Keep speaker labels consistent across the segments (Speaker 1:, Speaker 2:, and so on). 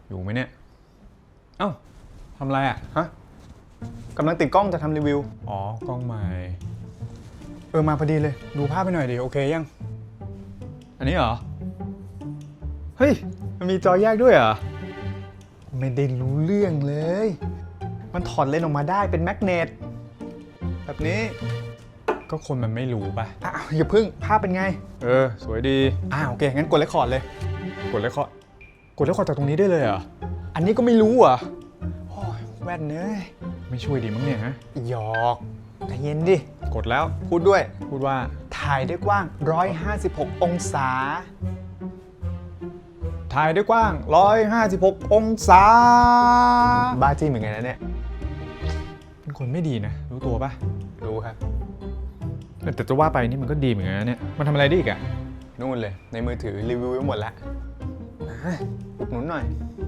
Speaker 1: อยู่ไหมเนี่ยเอ้าทำอะไรอ่ะ
Speaker 2: ฮะกำลังติดกล้องจะทำรีวิว
Speaker 1: อ๋อกล้องใหม่
Speaker 2: มาพอดีเลยดูภาพไปหน่อยดิโอเคยัง
Speaker 1: อันนี้เหรอเฮ้ยมันมีจอแยกด้วยเหรอ
Speaker 2: ไม่ได้รู้เรื่องเลยมันถอดเลนส์ออกมาได้เป็นแมกเนตแบบนี้
Speaker 1: ก็คนมันไม่รู้ป่ะ
Speaker 2: อ้าวอย่าพึ่งภาพเป็นไง
Speaker 1: สวยดี
Speaker 2: โอเคงั้นกดเรคคอร์ดเลย
Speaker 1: กดเรคคอร์ดจากตรงนี้ได้เลยเหรอ
Speaker 2: อันนี้ก็ไม่รู้อ่ะโอ้ยแว่นเนย
Speaker 1: ไม่ช่วยดีมั้งเนี่ยฮะ
Speaker 2: หยอกใจเย็นดิ
Speaker 1: กดแล้ว
Speaker 2: พูดด้วย
Speaker 1: พูดว่า
Speaker 2: ถ่ายได้กว้าง156องศา
Speaker 1: ถ่ายได้กว้าง156องศา
Speaker 2: บ้าจี้เหมือนกันนะเนี่ย
Speaker 1: เป็นคนไม่ดีนะรู้ตัวป่ะ
Speaker 2: รู้ครับ
Speaker 1: แต่จะว่าไปนี่มันก็ดีเหมือนกันนะเนี่ยมันทำอะไรได้อีกอะ
Speaker 2: นู่นเลยในมือถือรีวิวไว้หมดแล้วอุดหนุนหน่อย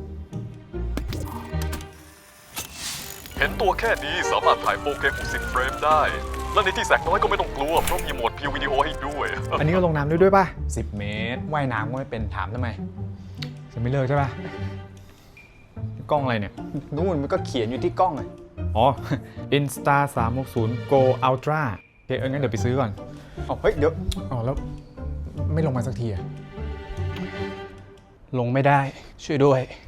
Speaker 3: เห็นตัวแค่นี้สามารถถ่าย 4K 60 เฟรมได้ และในที่แสงน้อยก็ไม่ต้องกลัวเพราะมีโหมด View วิดีโอให้ด้วย
Speaker 1: อันนี้ก็ลงน้ำด้วยป่ะ
Speaker 2: 10 เมตรว่ายน้ำก็ไม่เป็นถามทำไม
Speaker 1: จะไม่เลิกใช่ป่ะกล้องอะไรเนี่ย
Speaker 2: นู่นมันก็เขียนอยู่ที่กล้องเลย
Speaker 1: อ๋อ Insta 360 Go Ultra โอเคงั้นเดี๋ยวไปซื้อก่อน
Speaker 2: เฮ้ยเดี๋ยว
Speaker 1: แล้วไม่ลงมาสักทีอะลงไม่ได้ช่วยด้วย